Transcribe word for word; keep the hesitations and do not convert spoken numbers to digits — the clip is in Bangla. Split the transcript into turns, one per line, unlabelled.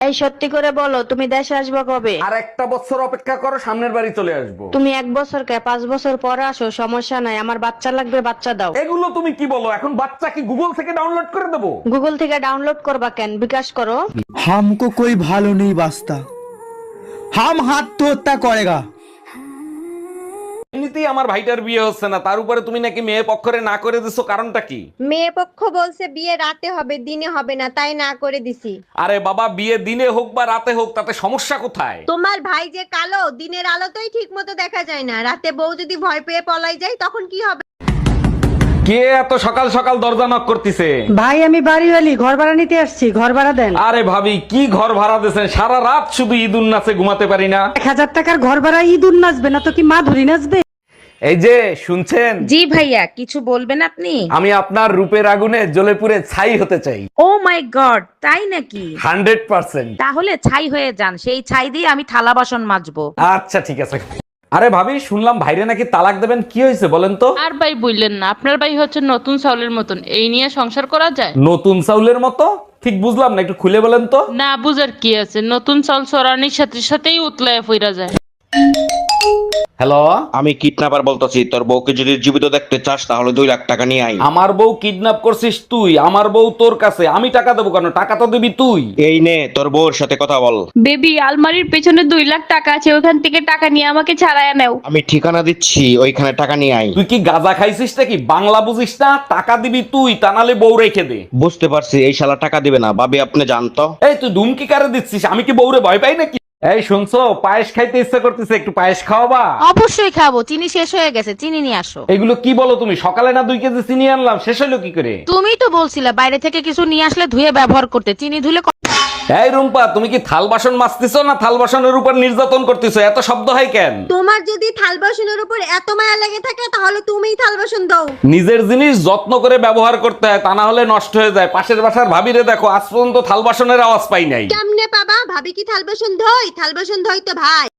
এই সত্যি করে বলো, তুমি দেশে আসবে কবে?
আর একটা বছর অপেক্ষা করো, সামনের বাড়ি চলে আসবো।
তুমি এক বছর কে পাঁচ বছর পরে আসো, সমস্যা নাই। আমার বাচ্চা লাগবে, বাচ্চা দাও।
এগুলো তুমি কি বলো? এখন বাচ্চা কি গুগল থেকে ডাউনলোড করে দেবো?
গুগল থেকে ডাউনলোড করবা কেন? বিকাশ করো।
हमको कोई भालो नहीं बास्ता, हम हाथ तो हत्या करेगा।
এমনিতেই আমার ভাইটার বিয়ে হচ্ছে না, তার উপরে তুমি নাকি মেয়ে পক্ষরে না করে দিছো, কারণটা কি?
মেয়ে পক্ষ বলছে বিয়ে রাতে হবে, দিনে হবে না, তাই না করে দিছি।
আরে বাবা, বিয়ে দিনে হোক বা রাতে হোক, তাতে সমস্যা কোথায়?
তোমার ভাই যে কালো, দিনের আলোতেই ঠিক মতো দেখা যায় না, রাতে বউ যদি ভয় পেয়ে পলাই যায় তখন কি হবে?
কে এত সকাল সকাল দরজা নক করতেছে?
ভাই আমি বাড়িওয়ালি, ঘর ভাড়া নিতে আসছি, ঘর ভাড়া দেন।
আরে ভাবি, কি ঘর ভাড়া দিয়েছেন? সারা রাত শুধু ঈদুন নাচে ঘুমাতে পারি না।
এক হাজার টাকার ঘর ভাড়া ইঁদুর নাচবে না তো কি মা ধরি নাচবে?
এই যে শুনছেন,
জি ভাইয়া, কিছু বলবেন আপনি?
আমি আপনার রূপের আগুনে জ্বলে পুড়ে ছাই হতে চাই।
ও মাই গড, তাই নাকি?
Hundred percent.
তাহলে ছাই হয়ে যান, সেই ছাই দিয়ে আমি থালা বাসন মাজবো।
আচ্ছা ঠিক আছে। আরে ভাবি, শুনলাম ভাইরে নাকি তালাক দেবেন, কি হয়েছে বলেন তো?
আর ভাই বললেন না, আপনার ভাই হচ্ছে নতুন চাউলের মতন, এই নিয়ে সংসার করা যায়?
নতুন চাউলের মতো? ঠিক বুঝলাম না, একটু খুলে বলেন তো।
না বুঝার কি আছে, নতুন চাউল চড়ানির সাথে সাথেই উতলায় ফিরা যায়।
হ্যালো,
আমি কিডন্যাপার বলতেছি, তোর বউকে যদি জীবিত দেখতে চাস তাহলে দুই লাখ টাকা নিয়ে আই।
আমার বউ কিডন্যাপ করছিস তুই? আমার বউ তোর কাছে, আমি টাকা দেবো কেন? টাকা তো দিবি তুই।
এই নে তোর বউর সাথে কথা বল।
বেবি, আলমারির পেছনে দুই লাখ টাকা আছে, ওখান থেকে টাকা নিয়ে আমাকে ছাড়ায় নাও।
আমি ঠিকানা দিচ্ছি, ওইখানে টাকা নিয়ে আই।
তুই কি গাঁজা খাইছিস নাকি? বাংলা বুঝিস না? টাকা দিবি তুই, তা নাহলে বউ রেখে দে।
বুঝতে পারছি, এই শালা টাকা দিবে না। ভাবি আপনি জানতো?
এই তুই ধুমকি কারে দিচ্ছিস? আমি কি বউরে ভয় পাই নাকি? এই শুনছো, পায়েস খাইতে ইচ্ছা করতেছে, একটু পায়েস খাওয়াবা?
অবশ্যই খাবো, চিনি শেষ হয়ে গেছে, চিনি নিয়ে আসো।
এগুলো কি বলো তুমি? সকালে না দুই কেজি চিনি আনলাম, শেষ হলো কি করে?
তুমি তো বলছিলে বাইরে থেকে কিছু নিয়ে আসলে ধুয়ে ব্যবহার করতে, চিনি ধুলে ক-
এই রুম্পা, তুমি কি থাল বাসন মাজতেছো না থাল বাসনের উপর নির্যাতন করতেছো? এত শব্দ হয় কেন?
তোমার যদি থাল বাসনের উপর এত মায়া লেগে থাকে তাহলে তুমিই থাল বাসন দাও।
নিজের জিনিস যত্ন করে ব্যবহার করতে হয়, তা না হলে নষ্ট হয়ে যায়। পাশের বাসার ভাবিরে দেখো, আজ পর্যন্ত থাল বাসনের আওয়াজ পাই নাই।
কেমনে পাবা? ভাবি কি থাল বাসন ধোয়? থাল বাসন ধোয় তো ভাই।